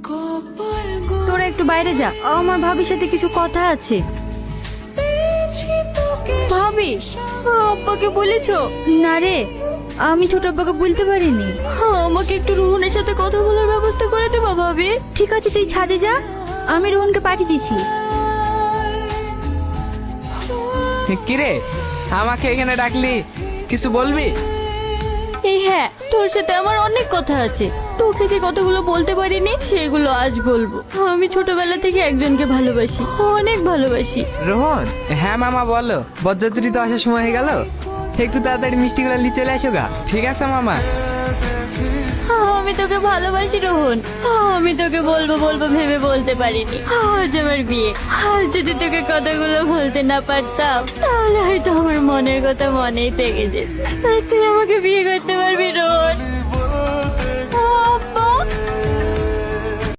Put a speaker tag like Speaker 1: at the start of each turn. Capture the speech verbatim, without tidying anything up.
Speaker 1: তোরা একটু বাইরে যা, আমার ভাবির সাথে কিছু কথা আছে।
Speaker 2: ভাবি, আব্বাকে বলেছো?
Speaker 1: না রে, আমি ছোট আব্বাকে বলতে পারিনি।
Speaker 2: আমাকে একটু রোহনের সাথে কথা বলার ব্যবস্থা করে দেবা ভাবি?
Speaker 1: ঠিক আছে, তুই ছাদে যা, আমি রোহনকে পাঠিয়ে দিছি।
Speaker 3: কিরে, আমাকে এখানে ডাকলি, কিছু বলবি?
Speaker 2: এই হ্যাঁ, তোর সাথে আমার অনেক কথা আছে। তোকে যে কথাগুলো বলতে পারিনি সেগুলো আজ বলবো। আমি ছোটবেলা থেকে একজনকে ভালোবাসি, অনেক ভালোবাসি।
Speaker 3: রোহন, হ্যাঁ মামা বলো। বরযাত্রী তো আসার সময় হয়ে গেল, একটু তাড়াতাড়ি মিষ্টিগুলো নিয়ে চলে আসো গা। ঠিক আছে মামা।
Speaker 2: আমি তোকে ভালোবাসি রোহন, আমি তোকে বলবো বলবো ভেবে বলতে পারিনি। আজ আমার বিয়ে, আর যদি তোকে কথাগুলো বলতে না পারতাম তাহলে হয়তো আমার মনের কথা মনেই থেকে যেত। আর তুই আমাকে বিয়ে করতে পারবি রোহন?